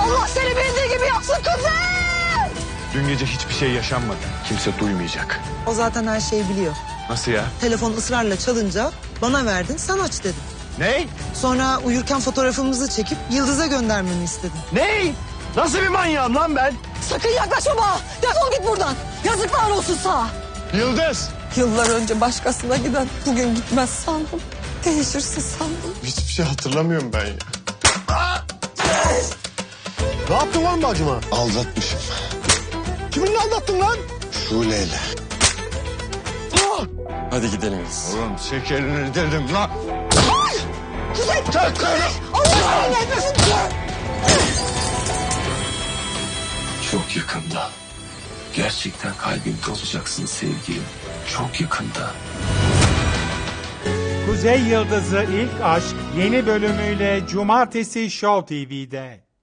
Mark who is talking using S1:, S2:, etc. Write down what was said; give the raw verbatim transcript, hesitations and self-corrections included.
S1: Allah seni bildiği gibi yapsın kızım.
S2: Dün gece hiçbir şey yaşanmadı. Kimse duymayacak.
S3: O zaten her şeyi biliyor.
S2: Nasıl ya?
S3: Telefon ısrarla çalınca bana verdin, sen aç dedin.
S2: Ney?
S3: Sonra uyurken fotoğrafımızı çekip Yıldız'a göndermemi istedin.
S2: Ney? Nasıl bir manyağım lan ben?
S1: Sakın yaklaşma bana. Defol git buradan. Yazıklar olsun sana.
S2: Yıldız!
S1: Yıllar önce başkasına giden bugün gitmez sandım. Değişirsin sandım.
S4: Hiçbir şey hatırlamıyorum ben ya.
S5: Ne yaptın lan bacıma?
S4: Aldatmışım.
S5: Kiminle aldattın lan?
S4: Şule'yle. Hadi gidelim biz.
S2: Oğlum şekerini dedim lan.
S1: Kuzey! Kuzey! Allah'ım nefesim!
S6: Çok yakında. Gerçekten kalbimde olacaksın sevgilim. Çok yakında.
S7: Kuzey Yıldızı İlk Aşk yeni bölümüyle Cumartesi Show T V'de.